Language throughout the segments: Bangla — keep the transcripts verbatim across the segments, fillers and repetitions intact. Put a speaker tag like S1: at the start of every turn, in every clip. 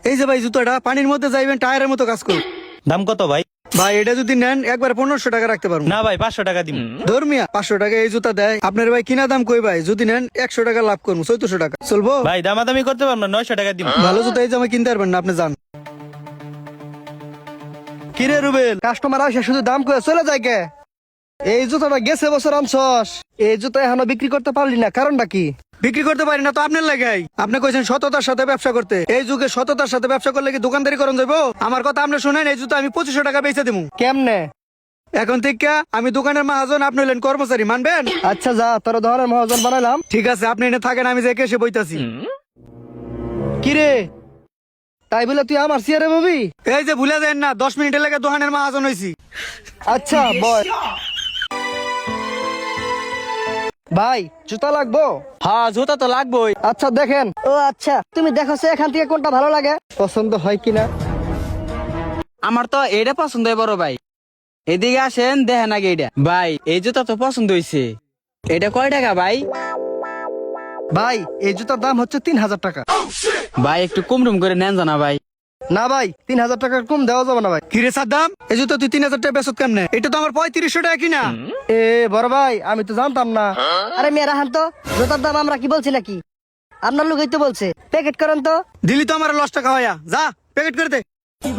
S1: এই যে ভাই জুতাটা পানির মধ্যে যাইবেন টায়ারের মতো কাজ করুন।
S2: দাম কত ভাই?
S1: ভাই এটা যদি নেন একবার পনেরোশো টাকা রাখতে পারবো
S2: না ভাই, পাঁচশো টাকা দিন।
S1: ধর্মিয়া পাঁচশো টাকা এই জুতা দেয় আপনার ভাই কিনা দাম কই ভাই যদি নেন একশো টাকা লাভ করবো চৌদ্দশো টাকা চলবো
S2: ভাই দামাদামি করতে পারবো না, নয়শো টাকা দিন।
S1: ভালো জুতা এই জামা কিনতে পারবেন না আপনি যান। কিরে রুবেল কাস্টমার আসে শুধু দাম করে চলে যায় কে? এই জুতাটা গেছে বছর আনছস, এই জুতা এখনো বিক্রি করতে পারলি না, কারণটা কি? বিক্রি করতে পারি না তো আপনার লাগাই। আপনি কইছেন সততার সাথে ব্যবসা করতে, এই যুগে সততার সাথে ব্যবসা করলে কি দোকানদারি করন যাবো? আমার কথা আপনি শুনেন, এই জুতা আমি পঁচিশশো টাকা বেচে দেবো। কেমনে? এখন থেকে আমি দোকানের মহাজন, আপনি হলেন কর্মচারী, মানবেন? আচ্ছা যা, তোর ধরনের মহাজন বানাইলাম। ঠিক আছে, আপনি এনে থাকেন, আমি যে এসে বইতাছি। কিরে তাই বলে তুই আমার সিয়ারে ববি? এই যে ভুলে দেন না, দশ মিনিটের লেগে দোকানের মহাজন হইছি। আচ্ছা বয় ভাই জুতা লাগবো?
S2: হ্যাঁ জুতা তো লাগবেই।
S1: আচ্ছা দেখেন। ও আচ্ছা, তুমি দেখো সে এখান থেকে কোনটা ভালো লাগে, পছন্দ হয় কিনা।
S3: আমার তো এটা পছন্দ হয় বড় ভাই, এদিকে আসেন দেখেন আগে এটা। ভাই এই জুতা তো পছন্দ হয়েছে, এটা কয় টাকা ভাই?
S1: ভাই এই জুতার দাম হচ্ছে তিন হাজার টাকা।
S3: ভাই একটু কম টুম করে নেন জানা ভাই।
S1: না ভাই তিন হাজার টাকার কম দেওয়া যাবে না ভাই। কিরে সাদ্দাম, এই জুতো তুই তিন হাজার টাকা বেচত কেমনে? এটা তো আমার পঁয়ত্রিশশো টাকা কিনা। এ বড় ভাই আমি তো জানতাম না।
S4: আরে মেয়েরা হান তো, জুতার দাম আমরা কি বলছি নাকি? আপনার লোকই তো বলছে, প্যাকেট করেন তো।
S1: দিলি তো আমার লস টাকা হইয়া, যা প্যাকেট করে দে।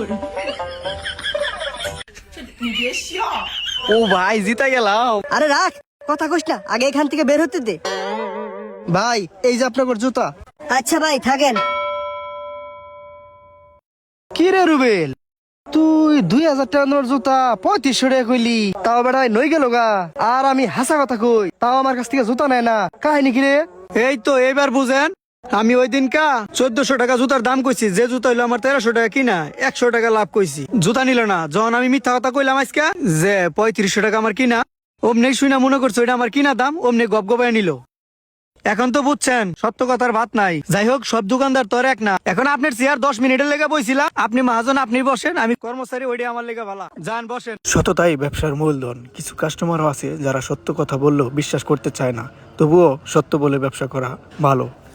S1: ও ভাই জিতা গেলাম।
S4: আরে রাখ, কথা কইস না, আগে এখান থেকে বের হতে দে।
S1: ভাই এই যে আপনার জুতা।
S4: আচ্ছা ভাই থাকেন।
S1: কি রে রুবেল, তুই দুই হাজার টাকা নোর জুতা পঁয়ত্রিশশো টাকা কইলি, তাও বেড়াই নই গেল গা। আর আমি হাসা কথা কই, তাও আমার কাছ থেকে জুতা নেয় না, কাহিনী কি রে? এই তো এবার বুঝেন, আমি ওই দিন কা চোদ্দশো টাকা জুতার দাম কইছি, যে জুতা হইলো আমার তেরোশো টাকা কিনা, একশো টাকা লাভ কইছি, জুতা নিল না। যখন আমি মিথ্যা কথা কইলাম আজকে যে পঁয়ত্রিশশো টাকা আমার কিনা, অমনি শুনা মনে করছো এটা আমার কিনা দাম, অমনি গপ গপায় নিল। এখন তো বুঝছেন সত্য কথার ভাত নাই। যাই হোক, সব দোকানদার তোর এক না। এখন আপনার চেয়ার দশ মিনিটের লেগে বইছিলাম, আপনি মহাজন আপনি বসেন, আমি কর্মচারী, ওইটা আমার লেগে ভালো। যান বসেন। সততাই ব্যবসার মূলধন। কিছু কাস্টমারও আছে যারা সত্য কথা বললেও বিশ্বাস করতে চায় না, তবুও সত্য বলে ব্যবসা করা ভালো।